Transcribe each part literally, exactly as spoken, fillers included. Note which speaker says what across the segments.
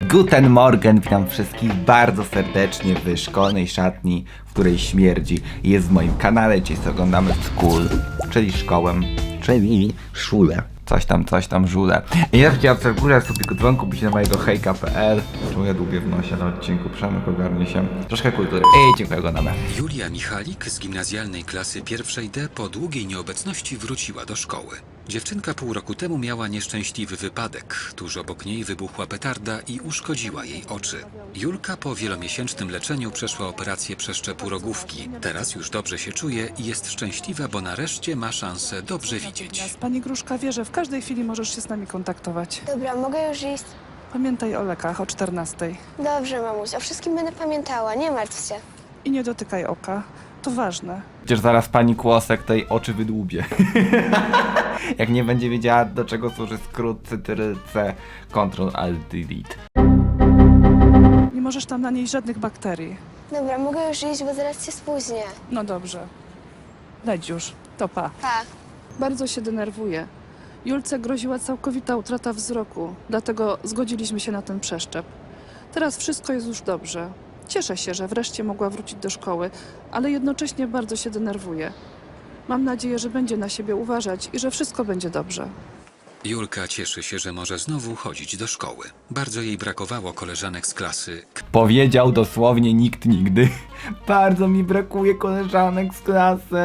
Speaker 1: Guten Morgen, witam wszystkich bardzo serdecznie w szkolnej szatni, w której śmierdzi. Jest w moim kanale, dzisiaj sobie oglądamy School, czyli szkołę, czyli szulę. Coś tam, coś tam, żule. I ja widziałem w górę sobie dzwonku, byś na mojego hejka kropka pe el. Czemu ja dłubię w nosie na odcinku? Przemek ogarnie się. Troszkę kultury. Ej, dziękuję, oglądamy.
Speaker 2: Julia Michalik z gimnazjalnej klasy pierwszej D po długiej nieobecności wróciła do szkoły. Dziewczynka pół roku temu miała nieszczęśliwy wypadek. Tuż obok niej wybuchła petarda i uszkodziła jej oczy. Julka po wielomiesięcznym leczeniu przeszła operację przeszczepu rogówki. Teraz już dobrze się czuje i jest szczęśliwa, bo nareszcie ma szansę dobrze widzieć.
Speaker 3: Pani Gruszka wie, że w każdej chwili możesz się z nami kontaktować.
Speaker 4: Dobra, mogę już iść?
Speaker 3: Pamiętaj o lekach o czternastej.
Speaker 4: Dobrze, mamuś, o wszystkim będę pamiętała, nie martw się.
Speaker 3: I nie dotykaj oka. To ważne.
Speaker 1: Przecież zaraz pani Kłosek tej oczy wydłubie. Jak nie będzie wiedziała, do czego służy skrót C T R L-C Ctrl Alt Delete.
Speaker 3: Nie możesz tam nanieść żadnych bakterii.
Speaker 4: Dobra, mogę już iść, bo zaraz się spóźnię.
Speaker 3: No dobrze. Leć już. To pa.
Speaker 4: Pa.
Speaker 3: Bardzo się denerwuję. Julce groziła całkowita utrata wzroku, dlatego zgodziliśmy się na ten przeszczep. Teraz wszystko jest już dobrze. Cieszę się, że wreszcie mogła wrócić do szkoły, ale jednocześnie bardzo się denerwuję. Mam nadzieję, że będzie na siebie uważać i że wszystko będzie dobrze.
Speaker 2: Julka cieszy się, że może znowu chodzić do szkoły. Bardzo jej brakowało koleżanek z klasy.
Speaker 1: Powiedział dosłownie nikt nigdy. Bardzo mi brakuje koleżanek z klasy.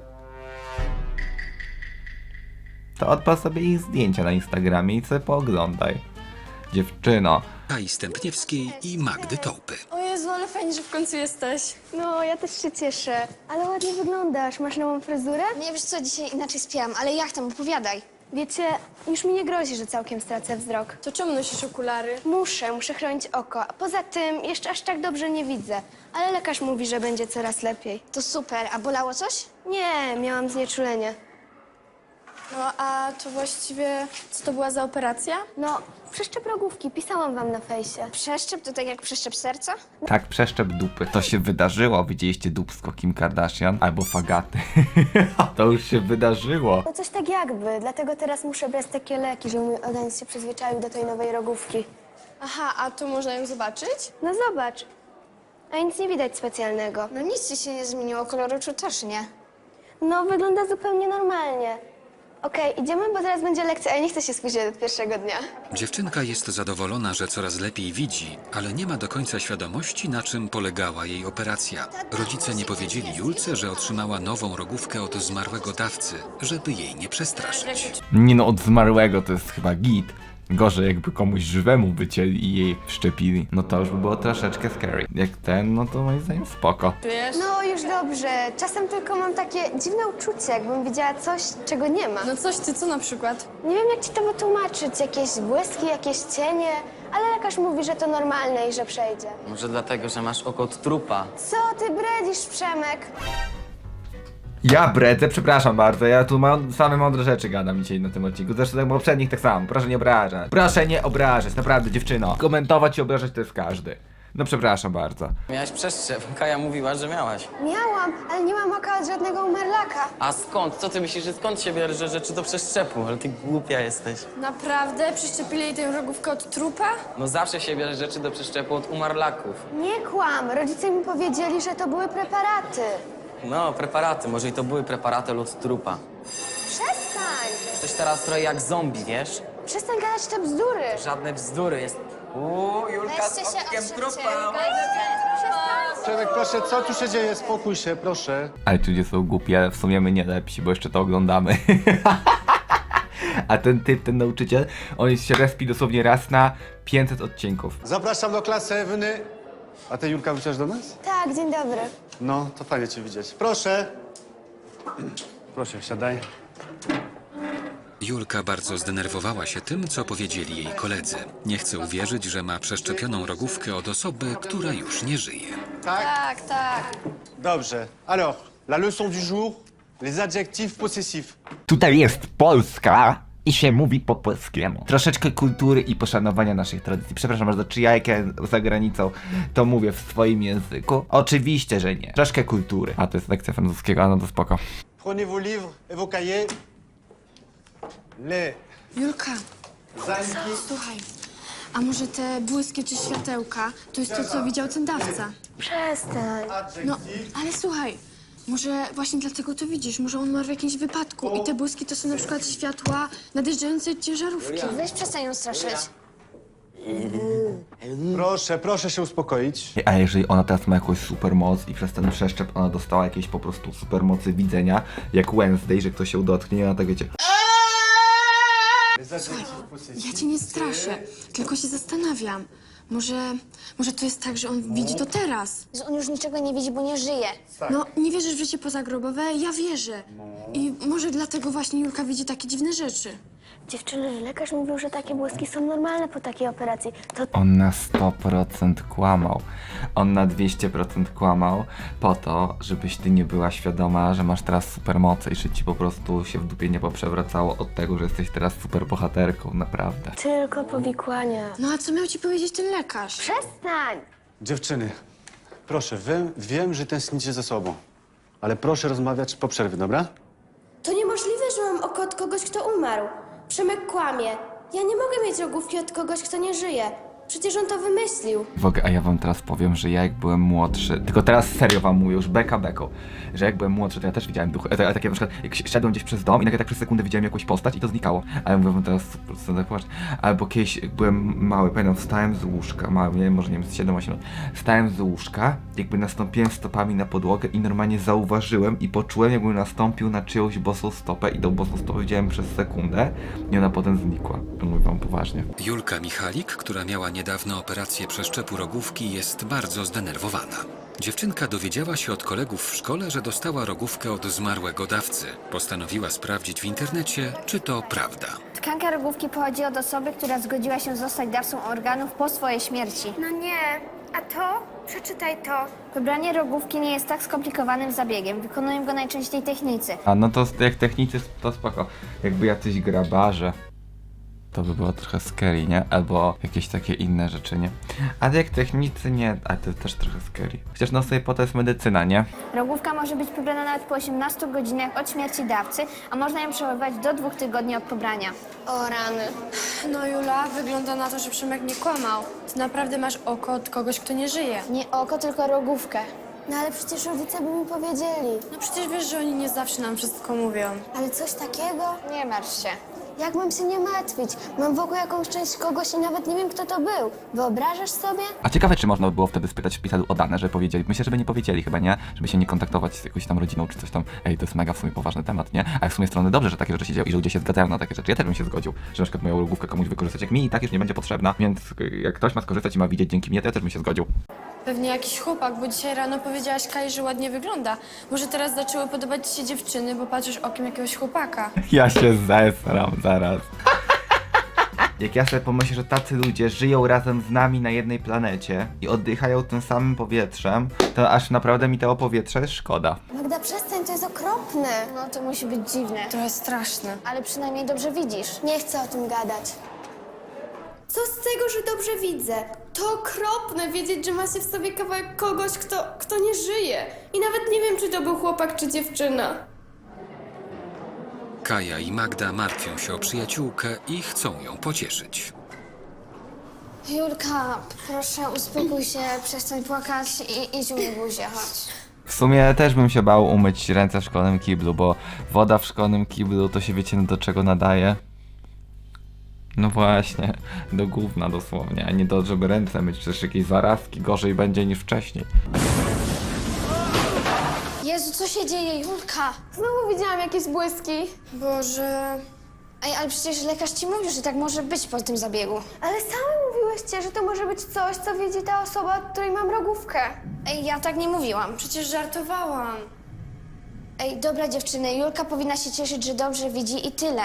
Speaker 1: To odpal sobie ich zdjęcia na Instagramie i sobie pooglądaj. Dziewczyno.
Speaker 2: Kai Stępniewskiej i Magdy Tołpy.
Speaker 5: O Jezu, ale fajnie, że w końcu jesteś.
Speaker 4: No, ja też się cieszę. Ale ładnie wyglądasz. Masz nową fryzurę?
Speaker 5: Nie wiesz co, dzisiaj inaczej śpiałam, ale jak tam, opowiadaj.
Speaker 4: Wiecie, już mi nie grozi, że całkiem stracę wzrok.
Speaker 5: To czemu nosisz okulary?
Speaker 4: Muszę, muszę chronić oko. A poza tym jeszcze aż tak dobrze nie widzę. Ale lekarz mówi, że będzie coraz lepiej.
Speaker 5: To super, a bolało coś?
Speaker 4: Nie, miałam znieczulenie.
Speaker 5: No a to właściwie, co to była za operacja?
Speaker 4: No, przeszczep rogówki, pisałam wam na fejsie.
Speaker 5: Przeszczep to tak jak przeszczep serca?
Speaker 1: Tak, przeszczep dupy. To się wydarzyło. Widzieliście dupsko Kim Kardashian? Albo fagaty. To już się wydarzyło.
Speaker 4: No coś tak jakby, dlatego teraz muszę brać takie leki, żeby mój organizm się przyzwyczaił do tej nowej rogówki.
Speaker 5: Aha, a to można ją zobaczyć?
Speaker 4: No zobacz. A nic nie widać specjalnego.
Speaker 5: No nic ci się nie zmieniło, kolor oczu też nie.
Speaker 4: No, wygląda zupełnie normalnie. Okej, idziemy, bo zaraz będzie lekcja, a ja nie chcę się spóźnić od pierwszego dnia.
Speaker 2: Dziewczynka jest zadowolona, że coraz lepiej widzi, ale nie ma do końca świadomości, na czym polegała jej operacja. Rodzice nie powiedzieli Julce, że otrzymała nową rogówkę od zmarłego dawcy, żeby jej nie przestraszyć.
Speaker 1: Nie no, od zmarłego to jest chyba git. Gorzej jakby komuś żywemu wycięli i jej wszczepili. No to już by było troszeczkę scary. Jak ten, no to moim zdaniem spoko.
Speaker 5: Wiesz?
Speaker 4: No, już dobrze. Czasem tylko mam takie dziwne uczucie, jakbym widziała coś, czego nie ma.
Speaker 5: No coś ty, co na przykład?
Speaker 4: Nie wiem, jak ci to wytłumaczyć. Jakieś błyski, jakieś cienie. Ale lekarz mówi, że to normalne i że przejdzie.
Speaker 6: Może dlatego, że masz oko od trupa.
Speaker 4: Co ty bredzisz, Przemek?
Speaker 1: Ja bredzę, przepraszam bardzo, ja tu mam same mądre rzeczy gadam dzisiaj na tym odcinku. Zresztą tak poprzednich tak samo, proszę nie obrażać. Proszę nie obrażać, naprawdę dziewczyno. Komentować i obrażać to jest każdy. No przepraszam bardzo.
Speaker 6: Miałaś przeszczep. Kaja mówiła, że miałaś.
Speaker 4: Miałam, ale nie mam oka od żadnego umarlaka.
Speaker 6: A skąd? Co ty myślisz, że skąd się bierze rzeczy do przeszczepu? Ale ty głupia jesteś.
Speaker 5: Naprawdę? Przeszczepili jej tę rogówkę od trupa?
Speaker 6: No zawsze się bierze rzeczy do przeszczepu od umarlaków.
Speaker 4: Nie kłam. Rodzice mi powiedzieli, że to były preparaty.
Speaker 6: No, preparaty. Może i to były preparaty od trupa.
Speaker 4: Przestań!
Speaker 6: Jesteś teraz trochę jak zombie, wiesz?
Speaker 4: Przestań gadać te bzdury.
Speaker 6: Żadne bzdury. Jest... Uuu, Julka z
Speaker 5: Weźcie się,
Speaker 6: okiem
Speaker 5: odszedłcie.
Speaker 6: trupa.
Speaker 7: Przemek, proszę, co tu się dzieje? Spokój się, proszę.
Speaker 1: Ale ludzie są głupi, ale w sumie my nie lepsi, bo jeszcze to oglądamy. A ten typ, ten nauczyciel, on się respi dosłownie raz na pięćset odcinków.
Speaker 7: Zapraszam do klasy Ewny. A ty, Julka, wrócisz do nas?
Speaker 4: Tak, dzień dobry.
Speaker 7: No, to fajnie cię widzieć. Proszę. Proszę, siadaj.
Speaker 2: Julka bardzo zdenerwowała się tym, co powiedzieli jej koledzy. Nie chce uwierzyć, że ma przeszczepioną rogówkę od osoby, która już nie żyje.
Speaker 7: Tak?
Speaker 5: Tak, tak.
Speaker 7: Dobrze. Alors, la leçon du jour, les adjectifs possessifs.
Speaker 1: Tutaj jest Polska i się mówi po polskiemu. Troszeczkę kultury i poszanowania naszych tradycji. Przepraszam bardzo, czy ja jak ja za granicą to mówię w swoim języku? Oczywiście, że nie. Troszkę kultury. A to jest lekcja francuskiego, a no to spoko.
Speaker 7: Prenez vos livres et vos cahiers. Les
Speaker 5: Julka,
Speaker 7: anki...
Speaker 5: słuchaj. A może te błyski czy światełka to jest to, co widział ten dawca?
Speaker 4: Przestań.
Speaker 5: No, ale słuchaj, może właśnie dlatego to widzisz, może on ma w jakimś wypadku i te błyski to są na przykład światła nadjeżdżającej ciężarówki.
Speaker 4: Weź przestań ją straszyć.
Speaker 7: Proszę, proszę się uspokoić.
Speaker 1: A jeżeli ona teraz ma jakąś supermoc i przez ten przeszczep ona dostała jakieś po prostu supermocy widzenia, jak Wednesday, że ktoś się dotknie i ona tak wiecie...
Speaker 7: Les adjectifs possessifs.
Speaker 5: Ja cię nie straszę, tylko się zastanawiam. Może, może to jest tak, że on widzi to teraz.
Speaker 4: Że on już niczego nie widzi, bo nie żyje.
Speaker 5: No, nie wierzysz w życie pozagrobowe? Ja wierzę. I może dlatego właśnie Julka widzi takie dziwne rzeczy.
Speaker 4: Dziewczyny, lekarz mówił, że takie błyski są normalne po takiej operacji. To
Speaker 1: On na sto procent kłamał. On na dwieście procent kłamał po to, żebyś ty nie była świadoma, że masz teraz supermoce i że ci po prostu się w dupie nie poprzewracało od tego, że jesteś teraz super bohaterką, naprawdę.
Speaker 4: tylko powikłania.
Speaker 5: No a co miał ci powiedzieć ten lekarz?
Speaker 4: Przestań!
Speaker 7: Dziewczyny, proszę, wiem, wiem, że tęsknicie ze sobą, ale proszę rozmawiać po przerwie, dobra?
Speaker 8: To niemożliwe, że mam oko od kogoś, kto umarł. Przemek kłamie. Ja nie mogę mieć rogówki od kogoś, kto nie żyje. Przecież on to wymyślił.
Speaker 1: W ogóle, a ja wam teraz powiem, że ja jak byłem młodszy, tylko teraz serio wam mówię, już beka beką, że jak byłem młodszy, to ja też widziałem duchy, ale takie na przykład, jak szedłem gdzieś przez dom i nagle tak przez sekundę widziałem jakąś postać i to znikało. Ale mówię wam teraz, po prostu tak płacz. Albo kiedyś, jak byłem mały, pamiętam, wstałem z łóżka, mały, nie wiem, może nie wiem, z siedem osiem lat, wstałem z łóżka, jakby nastąpiłem stopami na podłogę i normalnie zauważyłem i poczułem, jakbym nastąpił na czyjąś bosą stopę i tą bosą stopę widziałem przez sekundę i ona potem znikła. Mówię wam poważnie.
Speaker 2: Julka Michalik, która miała niedawno operację przeszczepu rogówki, jest bardzo zdenerwowana. Dziewczynka dowiedziała się od kolegów w szkole, że dostała rogówkę od zmarłego dawcy. Postanowiła sprawdzić w internecie, czy to prawda.
Speaker 9: Tkanka rogówki pochodzi od osoby, która zgodziła się zostać dawcą organów po swojej śmierci.
Speaker 8: No nie. A to? Przeczytaj to.
Speaker 9: Wybranie rogówki nie jest tak skomplikowanym zabiegiem. Wykonują go najczęściej technicy.
Speaker 1: A no to jak technicy to spoko. Jakby jacyś grabarze, to by było trochę scary, nie? Albo jakieś takie inne rzeczy, nie? Ale jak technicy nie, a to też trochę scary. Chociaż no sobie po to jest medycyna, nie?
Speaker 9: Rogówka może być pobrana nawet po osiemnastu godzinach od śmierci dawcy, a można ją przechowywać do dwóch tygodni od pobrania.
Speaker 8: O rany.
Speaker 5: No Jula, wygląda na to, że Przemek nie kłamał. Ty naprawdę masz oko od kogoś, kto nie żyje.
Speaker 9: Nie oko, tylko rogówkę.
Speaker 8: No ale przecież rodzice by mi powiedzieli.
Speaker 5: No przecież wiesz, że oni nie zawsze nam wszystko mówią.
Speaker 8: Ale coś takiego?
Speaker 9: Nie martw się.
Speaker 8: Jak mam się nie martwić? Mam wokół jakąś część kogoś i nawet nie wiem, kto to był. Wyobrażasz sobie?
Speaker 1: A ciekawe, czy można by było wtedy spytać w szpitalu o dane, żeby powiedzieli. Myślę, żeby nie powiedzieli chyba, nie? Żeby się nie kontaktować z jakąś tam rodziną czy coś tam. Ej, to jest mega w sumie poważny temat, nie? Ale w sumie strony dobrze, że takie rzeczy się dzieją i że ludzie się zgadzają na takie rzeczy. Ja też bym się zgodził, że na przykład moją rogówkę komuś wykorzystać, jak mi i tak już nie będzie potrzebna. Więc jak ktoś ma skorzystać i ma widzieć dzięki mnie, to ja też bym się zgodził.
Speaker 5: Pewnie jakiś chłopak, bo dzisiaj rano powiedziałaś Kai, że ładnie wygląda. Może teraz zaczęły podobać ci się dziewczyny, bo patrzysz okiem jakiegoś chłopaka.
Speaker 1: Ja się zesram zaraz. Jak ja sobie pomyślę, że tacy ludzie żyją razem z nami na jednej planecie i oddychają tym samym powietrzem, to aż naprawdę mi tego powietrza jest szkoda.
Speaker 8: Magda, przestań, to jest okropne.
Speaker 9: No to musi być dziwne.
Speaker 5: Trochę straszne.
Speaker 9: Ale przynajmniej dobrze widzisz.
Speaker 8: Nie chcę o tym gadać. Co z tego, że dobrze widzę? To okropne wiedzieć, że ma się w sobie kawałek kogoś, kto, kto nie żyje. I nawet nie wiem, czy to był chłopak, czy dziewczyna.
Speaker 2: Kaja i Magda martwią się o przyjaciółkę i chcą ją pocieszyć.
Speaker 9: Julka, proszę uspokój się, przestań płakać i idź umyj buzię, chodź.
Speaker 1: W sumie też bym się bał umyć ręce w szkolnym kiblu, bo woda w szkolnym kiblu to się wiecie do czego nadaje? No właśnie, do gówna dosłownie, a nie do, żeby ręce myć, przecież jakieś zarazki gorzej będzie niż wcześniej.
Speaker 9: Jezu, co się dzieje, Julka?
Speaker 8: Znowu widziałam jakieś błyski.
Speaker 5: Boże...
Speaker 9: Ej, ale przecież lekarz ci mówił, że tak może być po tym zabiegu.
Speaker 8: Ale same mówiłyście, że to może być coś, co widzi ta osoba, od której mam rogówkę.
Speaker 9: Ej, ja tak nie mówiłam.
Speaker 5: Przecież żartowałam.
Speaker 9: Ej, dobra dziewczyny, Julka powinna się cieszyć, że dobrze widzi i tyle.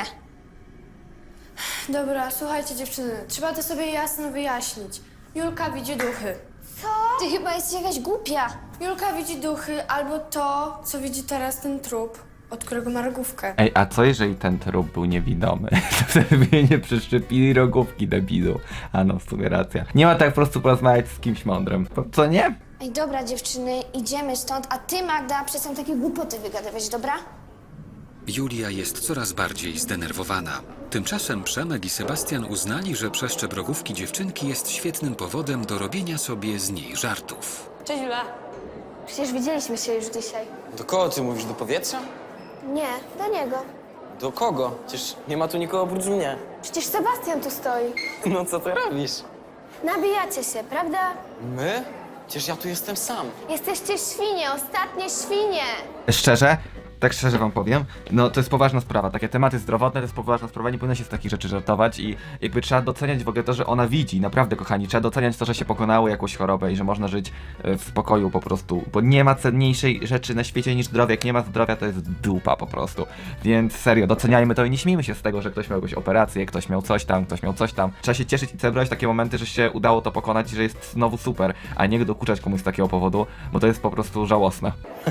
Speaker 5: Dobra, słuchajcie dziewczyny, trzeba to sobie jasno wyjaśnić. Julka widzi duchy.
Speaker 9: Ty chyba jesteś jakaś głupia.
Speaker 5: Julka widzi duchy albo to, co widzi teraz ten trup, od którego ma rogówkę.
Speaker 1: Ej, a co jeżeli ten trup był niewidomy? To wtedy by jej nie przeszczepili rogówki, debilu. A no, w sumie racja. Nie ma tak po prostu porozmawiać z kimś mądrym. Co nie?
Speaker 9: Ej, dobra dziewczyny, idziemy stąd, a ty Magda przestań takie głupoty wygadywać, dobra?
Speaker 2: Julia jest coraz bardziej zdenerwowana. Tymczasem Przemek i Sebastian uznali, że przeszczep rogówki dziewczynki jest świetnym powodem do robienia sobie z niej żartów.
Speaker 5: Cześć, Jula.
Speaker 4: Przecież widzieliśmy się już dzisiaj.
Speaker 6: Do kogo ty mówisz? Do powietrza?
Speaker 4: Nie, do niego.
Speaker 6: Do kogo? Przecież nie ma tu nikogo oprócz mnie.
Speaker 4: Przecież Sebastian tu stoi.
Speaker 6: No co ty robisz?
Speaker 4: Nabijacie się, prawda?
Speaker 6: My? Przecież ja tu jestem sam.
Speaker 4: Jesteście świnie, ostatnie świnie.
Speaker 1: Szczerze, tak szczerze wam powiem, no to jest poważna sprawa. Takie tematy zdrowotne to jest poważna sprawa, nie powinno się z takich rzeczy żartować i jakby trzeba doceniać w ogóle to, że ona widzi, naprawdę kochani, trzeba doceniać to, że się pokonało jakąś chorobę i że można żyć e, w spokoju po prostu, bo nie ma cenniejszej rzeczy na świecie niż zdrowie. Jak nie ma zdrowia, to jest dupa po prostu. Więc serio, doceniajmy to i nie śmiejmy się z tego, że ktoś miał jakąś operację, ktoś miał coś tam, ktoś miał coś tam. Trzeba się cieszyć i celebrować takie momenty, że się udało to pokonać i że jest znowu super, a nie dokuczać komuś z takiego powodu, bo to jest po prostu żałosne.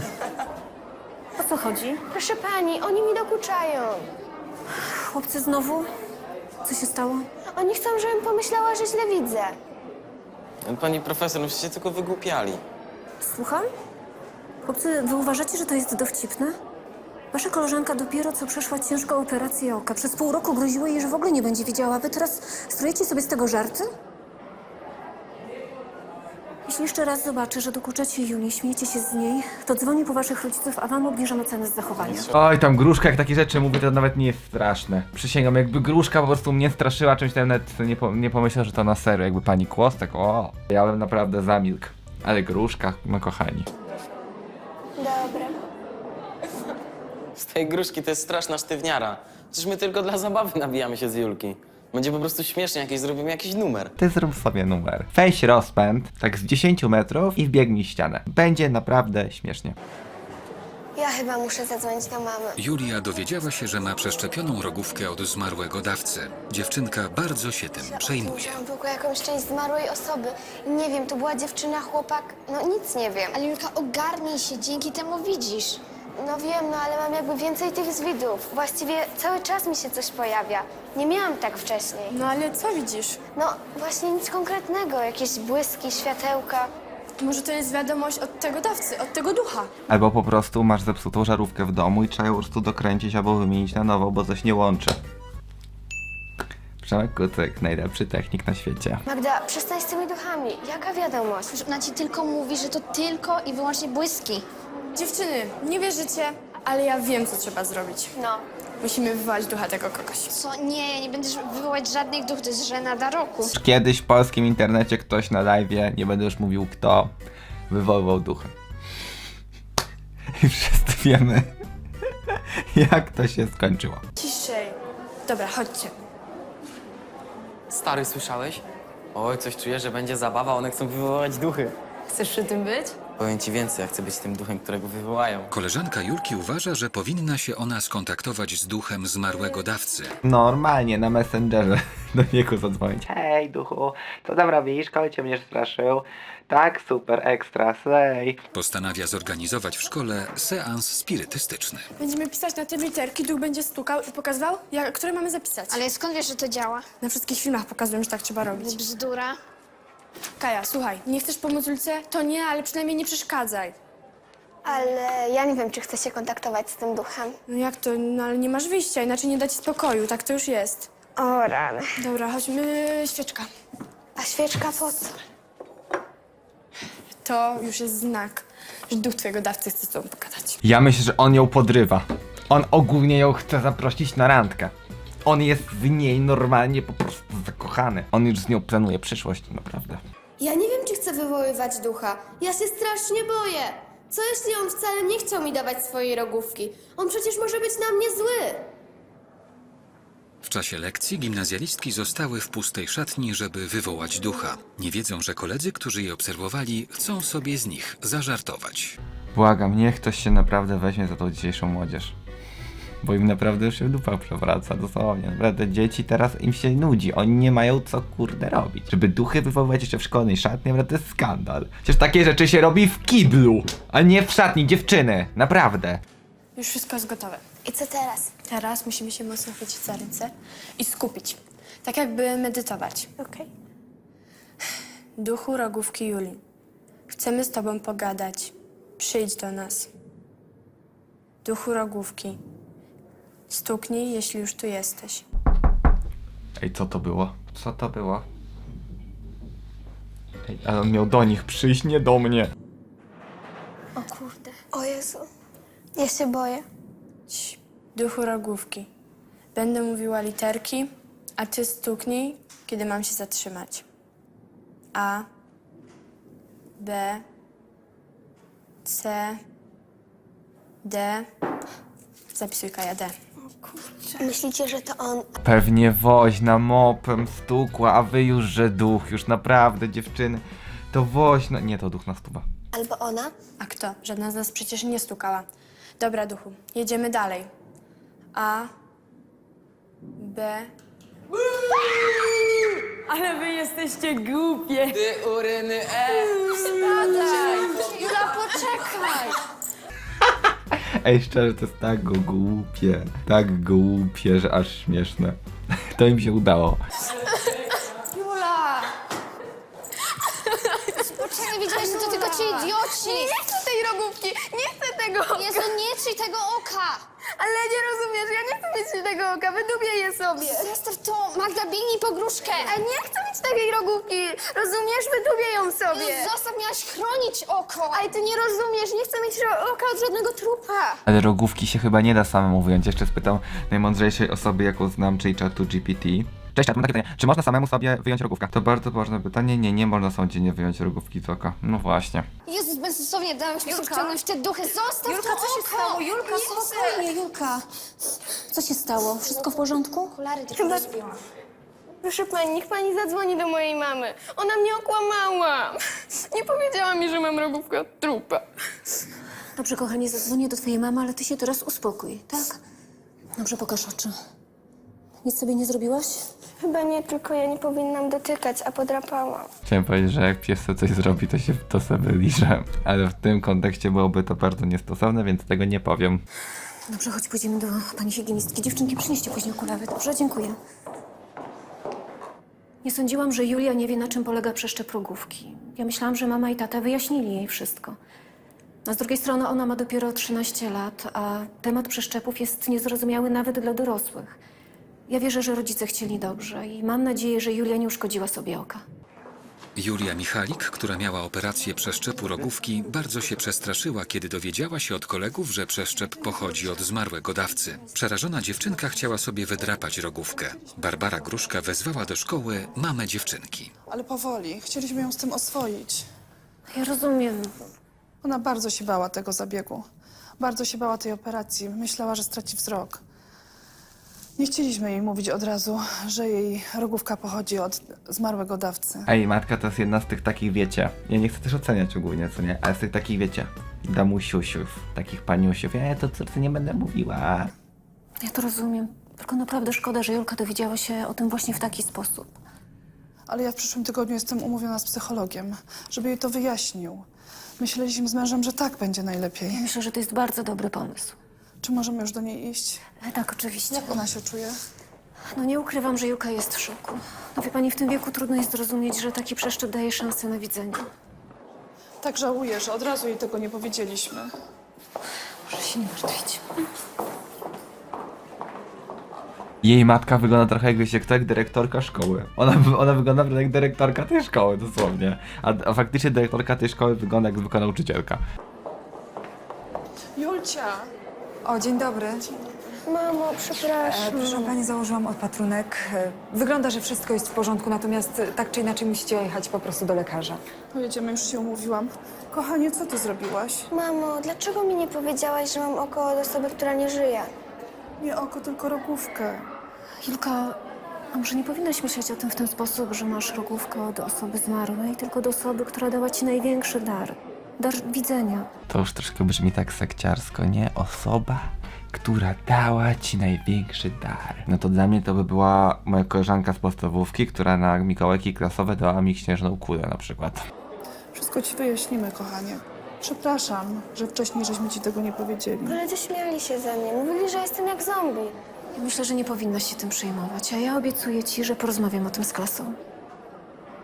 Speaker 10: O co chodzi?
Speaker 4: Proszę pani, oni mi dokuczają.
Speaker 10: Chłopcy znowu? Co się stało?
Speaker 4: Oni chcą, żebym pomyślała, że źle widzę.
Speaker 6: Pani profesor, no przecież się tylko wygłupiali.
Speaker 10: Słucham? Chłopcy, wy uważacie, że to jest dowcipne? Wasza koleżanka dopiero co przeszła ciężką operację oka. Przez pół roku groziło jej, że w ogóle nie będzie widziała. Wy teraz strojecie sobie z tego żarty? Jeśli jeszcze raz zobaczę, że dokuczacie Julii, śmiejecie się z niej, to dzwonię po waszych rodziców, a wam obniżam cenę z zachowania.
Speaker 1: Oj, tam gruszka, jak takie rzeczy mówi, to nawet nie jest straszne. Przysięgam, jakby gruszka po prostu mnie straszyła czymś, to ja nawet nie, po, nie pomyślał, że to na serio. Jakby pani Kłos, tak o, ja bym naprawdę zamilkł. Ale gruszka, no kochani.
Speaker 4: Dobra.
Speaker 6: Z tej gruszki to jest straszna sztywniara. Przecież my tylko dla zabawy nabijamy się z Julki. Będzie po prostu śmiesznie, jakieś zrobimy jakiś numer.
Speaker 1: Ty zrób sobie numer. Weź rozpęd, tak z dziesięciu metrów i wbiegnij ścianę. Będzie naprawdę śmiesznie.
Speaker 4: Ja chyba muszę zadzwonić do mamy.
Speaker 2: Julia dowiedziała się, że ma przeszczepioną rogówkę od zmarłego dawcy. Dziewczynka bardzo się tym przejmuje.
Speaker 4: Wziąłam w ogóle jakąś część zmarłej osoby. I nie wiem, to była dziewczyna, chłopak, no nic nie wiem.
Speaker 9: Ale Julka, ogarnij się, dzięki temu widzisz.
Speaker 4: No wiem, no ale mam jakby więcej tych zwidów. Właściwie cały czas mi się coś pojawia. Nie miałam tak wcześniej.
Speaker 5: No ale co widzisz?
Speaker 4: No właśnie nic konkretnego, jakieś błyski, światełka.
Speaker 5: Może to jest wiadomość od tego dawcy, od tego ducha.
Speaker 1: Albo po prostu masz zepsutą żarówkę w domu i trzeba ją po prostu dokręcić albo wymienić na nową, bo coś nie łączy. Przemek Kucyk, najlepszy technik na świecie.
Speaker 4: Magda, przestań z tymi duchami. Jaka wiadomość?
Speaker 9: Przecież ona ci tylko mówi, że to tylko i wyłącznie błyski.
Speaker 5: Dziewczyny, nie wierzycie, ale ja wiem, co trzeba zrobić.
Speaker 4: No.
Speaker 5: Musimy wywołać ducha tego kogoś.
Speaker 9: Co? Nie, nie będziesz wywołać żadnych duchów, to jest żenada roku.
Speaker 1: Kiedyś w polskim internecie ktoś na live'ie, nie będę już mówił kto, wywoływał duchy. I wszyscy wiemy, jak to się skończyło.
Speaker 5: Ciszej. Dobra, chodźcie.
Speaker 6: Stary, słyszałeś? Oj, coś czuję, że będzie zabawa, one chcą wywołać duchy.
Speaker 5: Chcesz przy tym być?
Speaker 6: Powiem ci więcej, ja chcę być tym duchem, którego wywołają.
Speaker 2: Koleżanka Julki uważa, że powinna się ona skontaktować z duchem zmarłego dawcy.
Speaker 1: Normalnie na Messengerze do niego zadzwonić. Hej duchu, co tam robisz? Koleś cię mnie straszył. Tak, super, ekstra, slay.
Speaker 2: Postanawia zorganizować w szkole seans spirytystyczny.
Speaker 5: Będziemy pisać na te literki, duch będzie stukał i pokazywał, jak, które mamy zapisać.
Speaker 9: Ale skąd wiesz, że to działa?
Speaker 5: Na wszystkich filmach pokazują, że tak trzeba robić.
Speaker 9: Bzdura.
Speaker 5: Kaja, słuchaj, nie chcesz pomóc Julce? To nie, ale przynajmniej nie przeszkadzaj.
Speaker 4: Ale ja nie wiem, czy chcę się kontaktować z tym duchem.
Speaker 5: No jak to? No ale nie masz wyjścia, inaczej nie da ci spokoju, tak to już jest.
Speaker 4: O rany.
Speaker 5: Dobra, chodźmy, świeczka.
Speaker 4: A świeczka po co?
Speaker 5: To już jest znak, że duch twojego dawcy chce z tobą pogadać.
Speaker 1: Ja myślę, że on ją podrywa. On ogólnie ją chce zaprosić na randkę. On jest w niej normalnie po prostu zakochany. On już z nią planuje przyszłość, naprawdę.
Speaker 8: Ja nie wiem, czy chcę wywoływać ducha. Ja się strasznie boję. Co jeśli on wcale nie chciał mi dawać swojej rogówki? On przecież może być na mnie zły.
Speaker 2: W czasie lekcji gimnazjalistki zostały w pustej szatni, żeby wywołać ducha. Nie wiedzą, że koledzy, którzy je obserwowali, chcą sobie z nich zażartować.
Speaker 1: Błagam, niech ktoś się naprawdę weźmie za tą dzisiejszą młodzież. Bo im naprawdę już się dupa przewraca, dosłownie. Naprawdę dzieci teraz im się nudzi, oni nie mają co kurde robić. Żeby duchy wywoływać jeszcze w szkolnej szatni, naprawdę to jest skandal. Przecież takie rzeczy się robi w kiblu, a nie w szatni dziewczyny, naprawdę.
Speaker 5: Już wszystko jest gotowe.
Speaker 4: I co teraz?
Speaker 5: Teraz musimy się mocno chwycić za ręce i skupić. Tak jakby medytować.
Speaker 4: Okej.
Speaker 5: Duchu rogówki Julii, chcemy z tobą pogadać. Przyjdź do nas. Duchu rogówki, Stuknij, jeśli już tu jesteś.
Speaker 1: Ej, co to było? Co to było? Ej, ale on miał do nich przyjść, nie do mnie.
Speaker 4: O kurde. O Jezu. Ja się boję.
Speaker 5: Cii, duchu rogówki. Będę mówiła literki, a ty stuknij, kiedy mam się zatrzymać. A, B, C, D. Zapisuj Kaja D.
Speaker 4: Myślicie, że to on?
Speaker 1: Pewnie woźna mopem stukła, a wy już, że duch, już naprawdę, dziewczyny. To woźna... Nie, to duch na stuwa.
Speaker 4: Albo ona?
Speaker 5: A kto? Żadna z nas przecież nie stukała. Dobra, duchu, jedziemy dalej. A, B... Ale wy jesteście głupie!
Speaker 6: Ty uryny, e!
Speaker 5: Jula, poczekaj!
Speaker 1: Ej, szczerze, to jest tak go głupie, tak głupie, że aż śmieszne. To im się udało.
Speaker 5: Jula!
Speaker 9: Poczekaj, wiedziałeś, że to tylko ci idioci!
Speaker 8: Nie chcę tej rogówki! Nie chcę tego oka!
Speaker 9: Jezu, nie trzyj tego oka!
Speaker 8: Ale nie rozumiesz, ja nie chcę mieć tego oka, wydubię je sobie!
Speaker 9: Zostaw to! Magda, biegnij po gruszkę!
Speaker 8: A nie chcę mieć takiej rogówki! Rozumiesz? Wydubię ją sobie!
Speaker 9: Zostaw, miałaś chronić oko!
Speaker 8: Ale ty nie rozumiesz, nie chcę mieć ro- oka od żadnego trupa!
Speaker 1: Ale rogówki się chyba nie da samemu wyjąć. Jeszcze spytam najmądrzejszej osoby, jaką znam, czyli czatu G P T. Cześć, czat, mam takie pytanie. Czy można samemu sobie wyjąć rogówkę? To bardzo ważne pytanie. Nie, nie można samodzielnie wyjąć rogówki z oka. No właśnie.
Speaker 9: Jezus, bezsensownie dałam się wciągnąć w te duchy. Zostaw
Speaker 10: Julka,
Speaker 9: to
Speaker 10: co się
Speaker 9: oko!
Speaker 10: stało? Julka, spokojnie, Julka. Co się stało? Wszystko w porządku?
Speaker 9: Okulary tylko
Speaker 8: Chyba-
Speaker 9: rozbiłam.
Speaker 8: Proszę pani, niech pani zadzwoni do mojej mamy. Ona mnie okłamała. Nie powiedziała mi, że mam rogówkę od trupa.
Speaker 10: Dobrze, kochanie, zadzwonię do twojej mamy, ale ty się teraz uspokój, tak? Dobrze, pokaż oczy. Nic sobie nie zrobiłaś?
Speaker 4: Chyba nie, tylko ja nie powinnam dotykać, a podrapałam.
Speaker 1: Chciałem powiedzieć, że jak pies sobie coś zrobi, to się to sobie liże. Ale w tym kontekście byłoby to bardzo niestosowne, więc tego nie powiem.
Speaker 10: Dobrze, chodź, pójdziemy do pani higienistki. Dziewczynki, przynieście później okulary. Dobrze, dziękuję. Nie sądziłam, że Julia nie wie, na czym polega przeszczep rogówki. Ja myślałam, że mama i tata wyjaśnili jej wszystko. A z drugiej strony ona ma dopiero trzynaście lat, a temat przeszczepów jest niezrozumiały nawet dla dorosłych. Ja wierzę, że rodzice chcieli dobrze i mam nadzieję, że Julia nie uszkodziła sobie oka.
Speaker 2: Julia Michalik, która miała operację przeszczepu rogówki, bardzo się przestraszyła, kiedy dowiedziała się od kolegów, że przeszczep pochodzi od zmarłego dawcy. Przerażona dziewczynka chciała sobie wydrapać rogówkę. Barbara Gruszka wezwała do szkoły mamę dziewczynki.
Speaker 3: Ale powoli. Chcieliśmy ją z tym oswoić.
Speaker 10: Ja rozumiem.
Speaker 3: Ona bardzo się bała tego zabiegu. Bardzo się bała tej operacji. Myślała, że straci wzrok. Nie chcieliśmy jej mówić od razu, że jej rogówka pochodzi od zmarłego dawcy.
Speaker 1: Ej, matka to jest jedna z tych takich, wiecie, ja nie chcę też oceniać ogólnie, co nie, ale z tych takich, wiecie, damusiusiów, takich paniusiów, ja to córce nie będę mówiła.
Speaker 10: Ja to rozumiem. Tylko naprawdę szkoda, że Julka dowiedziała się o tym właśnie w taki sposób.
Speaker 3: Ale ja w przyszłym tygodniu jestem umówiona z psychologiem, żeby jej to wyjaśnił. Myśleliśmy z mężem, że tak będzie najlepiej.
Speaker 10: Myślę, że to jest bardzo dobry pomysł.
Speaker 3: Czy możemy już do niej iść?
Speaker 10: E, Tak, oczywiście.
Speaker 3: Jak ona się czuje?
Speaker 10: No nie ukrywam, że Julka jest w szoku. No wie pani, w tym wieku trudno jest zrozumieć, że taki przeszczep daje szansę na widzenie.
Speaker 3: Tak żałuję, że od razu jej tego nie powiedzieliśmy.
Speaker 10: Proszę się nie martwić.
Speaker 1: Jej matka wygląda trochę jak, wiecie, kto, jak dyrektorka szkoły. Ona, ona wygląda jak dyrektorka tej szkoły, dosłownie. A, a faktycznie dyrektorka tej szkoły wygląda jak zwykła nauczycielka.
Speaker 3: Julcia!
Speaker 11: O, dzień dobry.
Speaker 4: Mamo,
Speaker 11: E,
Speaker 4: przepraszam.
Speaker 11: proszę pani, założyłam odpatrunek. E, wygląda, że wszystko jest w porządku, natomiast e, tak czy inaczej musicie jechać po prostu do lekarza.
Speaker 3: Pojedziemy, już się umówiłam. Kochanie, co ty zrobiłaś?
Speaker 4: Mamo, dlaczego mi nie powiedziałaś, że mam oko od osoby, która nie żyje?
Speaker 3: Nie oko, tylko rogówkę.
Speaker 10: Julka, a może nie powinnaś myśleć o tym w ten sposób, że masz rogówkę od osoby zmarłej, tylko od osoby, która dała ci największy dar. Dar widzenia.
Speaker 1: To już troszkę brzmi tak sekciarsko, nie? Osoba, która dała ci największy dar. No to dla mnie to by była moja koleżanka z podstawówki, która na mikołajki klasowe dała mi śnieżną kulę na przykład.
Speaker 3: Wszystko ci wyjaśnimy, kochanie. Przepraszam, że wcześniej żeśmy ci tego nie powiedzieli.
Speaker 4: Koledzy śmiali się ze mnie. Mówili, że jestem jak zombie.
Speaker 10: Ja myślę, że nie powinnaś się tym przejmować, a ja obiecuję ci, że porozmawiam o tym z klasą.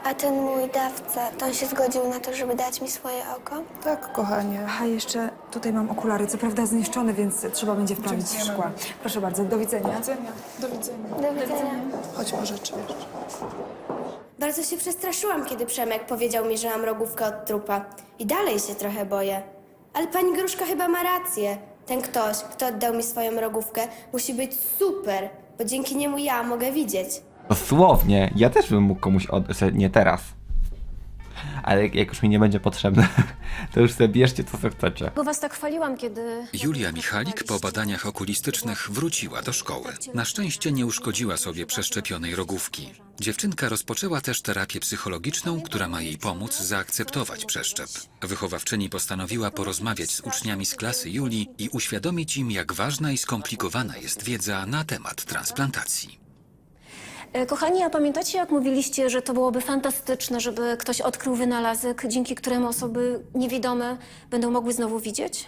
Speaker 4: A ten mój dawca, to on się zgodził na to, żeby dać mi swoje oko?
Speaker 3: Tak, kochanie.
Speaker 11: A jeszcze tutaj mam okulary, co prawda zniszczone, więc trzeba będzie wprawić szkła. Proszę bardzo, do widzenia.
Speaker 3: Do widzenia. Do widzenia.
Speaker 4: Do widzenia.
Speaker 3: Chodź po rzeczy.
Speaker 8: Bardzo się przestraszyłam, kiedy Przemek powiedział mi, że mam rogówkę od trupa. I dalej się trochę boję. Ale pani Gruszka chyba ma rację. Ten ktoś, kto oddał mi swoją rogówkę, musi być super, bo dzięki niemu ja mogę widzieć.
Speaker 1: Dosłownie, ja też bym mógł komuś oddać, nie teraz. Ale jak już mi nie będzie potrzebne, to już sobie bierzcie to, co chcecie.
Speaker 10: Bo was tak chwaliłam, kiedy...
Speaker 2: Julia Michalik po badaniach okulistycznych wróciła do szkoły. Na szczęście nie uszkodziła sobie przeszczepionej rogówki. Dziewczynka rozpoczęła też terapię psychologiczną, która ma jej pomóc zaakceptować przeszczep. Wychowawczyni postanowiła porozmawiać z uczniami z klasy Julii i uświadomić im, jak ważna i skomplikowana jest wiedza na temat transplantacji.
Speaker 10: E, Kochani, a pamiętacie, jak mówiliście, że to byłoby fantastyczne, żeby ktoś odkrył wynalazek, dzięki któremu osoby niewidome będą mogły znowu widzieć?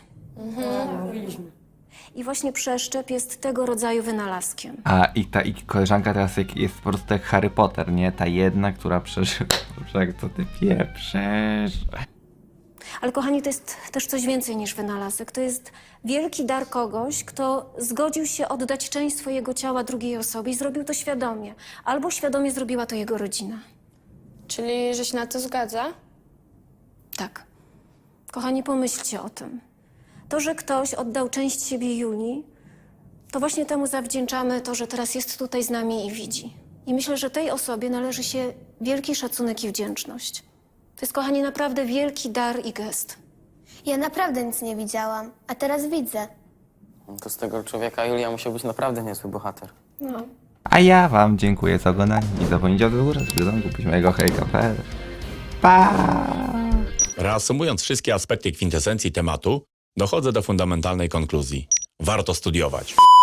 Speaker 10: I właśnie przeszczep jest tego rodzaju wynalazkiem.
Speaker 1: A i ta i koleżanka teraz jak jest po prostu jak Harry Potter, nie? Ta jedna, która przeżyła. Jak to ty pieprzesz?
Speaker 10: Ale kochani, to jest też coś więcej niż wynalazek. To jest wielki dar kogoś, kto zgodził się oddać część swojego ciała drugiej osobie i zrobił to świadomie. Albo świadomie zrobiła to jego rodzina.
Speaker 5: Czyli, że się na to zgadza?
Speaker 10: Tak. Kochani, pomyślcie o tym. To, że ktoś oddał część siebie Julii, to właśnie temu zawdzięczamy to, że teraz jest tutaj z nami i widzi. I myślę, że tej osobie należy się wielki szacunek i wdzięczność. To jest, kochani, naprawdę wielki dar i gest.
Speaker 4: Ja naprawdę nic nie widziałam, a teraz widzę.
Speaker 6: To z tego człowieka Julia musiał być naprawdę niezły bohater.
Speaker 1: A ja wam dziękuję za oglądanie. Nie zapomnijcie o górę, z kupić mojego hejka. Pa!
Speaker 12: Reasumując wszystkie aspekty kwintesencji tematu, dochodzę do fundamentalnej konkluzji. Warto studiować.